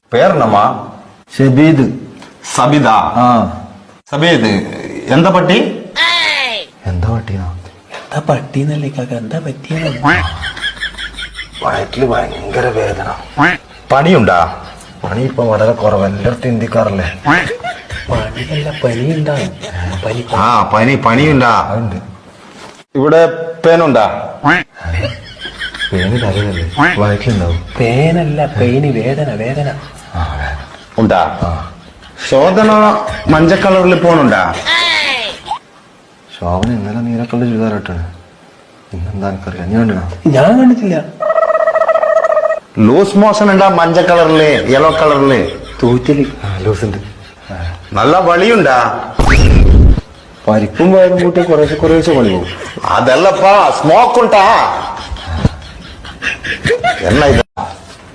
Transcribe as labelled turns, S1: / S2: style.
S1: പേരെന്നമ്മാ?
S2: ഷബീദ്.
S1: സബിത. സബീദ് എന്താ പട്ടി?
S2: എന്താ പട്ടിയാ?
S3: എന്താ പട്ടിന്നല്ലേ കാക്ക, എന്താ പറ്റിയ?
S2: വയറ്റില് ഭയങ്കര വേദന.
S1: പണിയുണ്ടാ?
S2: പണി ഇപ്പൊ വളരെ കുറവ്, എല്ലായിടത്തും ഇന്ത്യക്കാറല്ലേ.
S3: പണിയല്ല, പനിയുണ്ടാവും.
S1: പനിയുണ്ടാ?
S2: അതുണ്ട്.
S1: ഇവിടെ പേനുണ്ടാ?
S2: പേന് തലയല്ലേ, വയറ്റിലുണ്ടാവും.
S3: പേനല്ല, പെയിന്, വേദന. വേദന
S1: ഉണ്ടാ? ശോധന മഞ്ഞ കളറിൽ പോണുണ്ടാ?
S2: ശോഭന ഇന്നലെ നീലക്കള്ള ചുരിദാറിട്ടാണ്. ഇന്നെന്താ എനിക്കറിയാം, നീ കണ്ടോ?
S3: ഞാൻ കണ്ടിട്ടില്ല.
S1: ലൂസ് മോഷൻ ഉണ്ടാ? മഞ്ഞ കളറില്, യെല്ലോ കളറില്
S3: തൂറ്റല്.
S2: ലൂസ് ഉണ്ട്.
S1: നല്ല വളിയുണ്ടാ?
S2: പരിപ്പും വയറും കൂട്ടി കുറേശ്ശെ പണി പോകും.
S1: അതല്ലപ്പാ, സ്മോക്ക് ഉണ്ടാ? എന്നാ ഇത്?